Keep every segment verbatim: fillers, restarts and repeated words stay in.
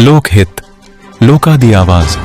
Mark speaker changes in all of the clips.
Speaker 1: ਲੋਕ ਹਿੱਤ, ਲੋਕਾਂ ਦੀ ਆਵਾਜ਼।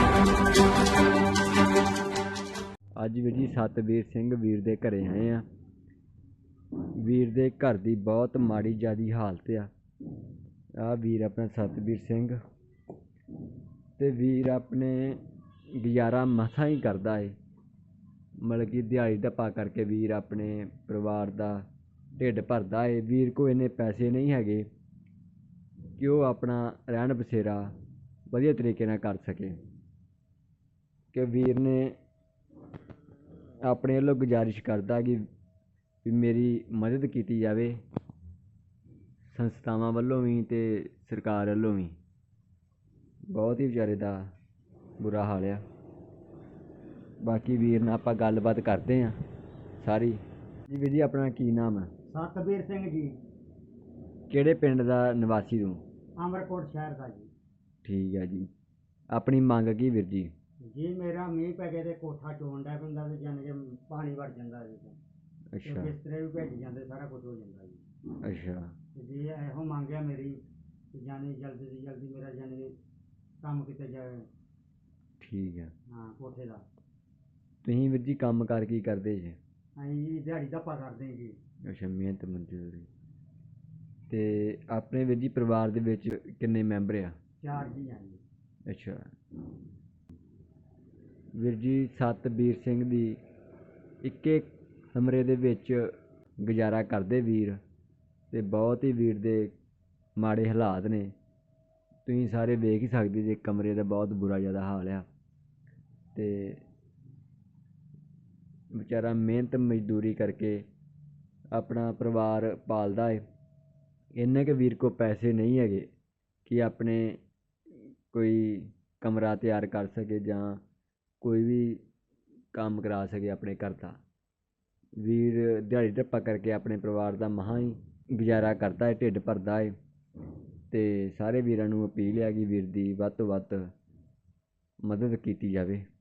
Speaker 2: ਅੱਜ ਵੀਰ ਜੀ ਸਤਬੀਰ ਸਿੰਘ ਵੀਰ ਦੇ ਘਰੇ ਆਏ ਆ। ਵੀਰ ਦੇ ਘਰ ਦੀ ਬਹੁਤ ਮਾੜੀ ਜਿਆਦੀ ਹਾਲਤ ਆ। ਆ ਵੀਰ ਆਪਣਾ ਸਤਬੀਰ ਸਿੰਘ ਤੇ ਵੀਰ ਆਪਣੇ ਗੁਜ਼ਾਰਾ ਮਸਾਂ ਹੀ ਕਰਦਾ ਏ। ਮਤਲਬ ਕਿ ਦਿਹਾੜੀ ਧੱਪਾ ਕਰਕੇ ਵੀਰ ਆਪਣੇ ਪਰਿਵਾਰ ਦਾ ਢਿੱਡ ਭਰਦਾ ਏ। ਵੀਰ ਕੋਲ ਇੰਨੇ ਪੈਸੇ ਨਹੀਂ ਹੈਗੇ ਕਿ ਉਹ ਆਪਣਾ ਰਹਿਣ ਬਸੇਰਾ ਵਧੀਆ ਤਰੀਕੇ ਨਾਲ ਕਰ ਸਕੇ। ਕਿ ਵੀਰ ਨੇ ਆਪਣੇ ਵੱਲੋਂ ਗੁਜ਼ਾਰਿਸ਼ ਕਰਦਾ ਕਿ ਵੀ ਮੇਰੀ ਮਦਦ ਕੀਤੀ ਜਾਵੇ, ਸੰਸਥਾਵਾਂ ਵੱਲੋਂ ਵੀ ਅਤੇ ਸਰਕਾਰ ਵੱਲੋਂ ਵੀ। ਬਹੁਤ ਹੀ ਵਿਚਾਰੇ ਦਾ ਬੁਰਾ ਹਾਲ ਆ। ਬਾਕੀ ਵੀਰ ਨਾਲ ਆਪਾਂ ਗੱਲਬਾਤ ਕਰਦੇ ਹਾਂ ਸਾਰੀ। ਜੀ ਵੀਰ ਜੀ ਆਪਣਾ ਕੀ ਨਾਮ ਹੈ?
Speaker 3: ਸਤਬੀਰ ਸਿੰਘ ਜੀ।
Speaker 2: ਕਿਹੜੇ ਪਿੰਡ ਦਾ ਨਿਵਾਸੀ ਤੂੰ?
Speaker 3: ਅਮਰਕੋਟ ਸ਼ਹਿਰ ਦਾ ਜੀ।
Speaker 2: ਠੀਕ ਹੈ ਜੀ। ਆਪਣੀ ਮੰਗ ਕੀ ਵੀਰ ਜੀ?
Speaker 3: ਜੀ ਮੇਰਾ ਮੀਂਹ ਪੈ ਗਿਆ ਤੇ ਕੋਠਾ ਚੋਣ ਡਿਆ ਪੈਂਦਾ ਤੇ ਜਾਣੀ ਕਿ ਪਾਣੀ ਵੜ ਜਾਂਦਾ ਜੀ।
Speaker 2: ਅੱਛਾ
Speaker 3: ਬਿਸਤਰੇ ਵੀ ਭੇਜ ਜਾਂਦੇ, ਸਾਰਾ ਕੁਝ ਹੋ ਜਾਂਦਾ ਜੀ।
Speaker 2: ਅੱਛਾ
Speaker 3: ਤੇ ਜੀ ਇਹੋ ਮੰਗਿਆ ਮੇਰੀ ਕਿ ਜਾਣੀ ਜਲਦੀ ਤੋਂ ਜਲਦੀ ਮੇਰਾ ਜਾਣੀ ਕੰਮ ਕੀਤਾ ਜਾਵੇ।
Speaker 2: ਠੀਕ ਹੈ।
Speaker 3: ਹਾਂ ਕੋਠੇ ਦਾ।
Speaker 2: ਤੁਸੀਂ ਵੀਰ ਜੀ ਕੰਮ ਕਾਰ ਕੀ ਕਰਦੇ ਜੀ?
Speaker 3: ਅਸੀਂ ਜੀ ਦਿਹਾੜੀ ਧੱਪਾ ਕਰਦੇ ਜੀ।
Speaker 2: ਅੱਛਾ ਮਿਹਨਤ ਮਜ਼ਦੂਰੀ। ਅਤੇ ਆਪਣੇ ਵੀਰ ਜੀ ਪਰਿਵਾਰ ਦੇ ਵਿੱਚ ਕਿੰਨੇ ਮੈਂਬਰ ਆ?
Speaker 3: ਚਾਰ ਜੀ ਹਾਂ ਜੀ।
Speaker 2: ਅੱਛਾ ਵੀਰ ਜੀ ਸਤਬੀਰ ਸਿੰਘ ਦੀ ਇੱਕੇ ਕਮਰੇ ਦੇ ਵਿੱਚ ਗੁਜ਼ਾਰਾ ਕਰਦੇ ਵੀਰ, ਅਤੇ ਬਹੁਤ ਹੀ ਵੀਰ ਦੇ ਮਾੜੇ ਹਾਲਾਤ ਨੇ। ਤੁਸੀਂ ਸਾਰੇ ਵੇਖ ਹੀ ਸਕਦੇ ਜੇ ਕਮਰੇ ਦਾ ਬਹੁਤ ਬੁਰਾ ਜ਼ਿਆਦਾ ਹਾਲ ਆ। ਅਤੇ ਵਿਚਾਰਾ ਮਿਹਨਤ ਮਜ਼ਦੂਰੀ ਕਰਕੇ ਆਪਣਾ ਪਰਿਵਾਰ ਪਾਲਦਾ ਹੈ। ਇੰਨੇ ਕੁ ਵੀਰ ਕੋਲ ਪੈਸੇ ਨਹੀਂ ਹੈਗੇ ਕਿ ਆਪਣੇ ਕੋਈ ਕਮਰਾ ਤਿਆਰ ਕਰ ਸਕੇ ਜਾਂ ਕੋਈ ਵੀ ਕੰਮ ਕਰਾ ਸਕੇ ਆਪਣੇ ਘਰ ਦਾ। ਵੀਰ ਦਿਹਾੜੀ ਧੱਪਾ ਕਰਕੇ ਆਪਣੇ ਪਰਿਵਾਰ ਦਾ ਮਸਾਂ ਹੀ ਗੁਜ਼ਾਰਾ ਕਰਦਾ ਹੈ, ਢਿੱਡ ਭਰਦਾ ਹੈ। ਅਤੇ ਸਾਰੇ ਵੀਰਾਂ ਨੂੰ ਅਪੀਲ ਹੈ ਕਿ ਵੀਰ ਦੀ ਵੱਧ ਤੋਂ ਵੱਧ ਮਦਦ ਕੀਤੀ ਜਾਵੇ।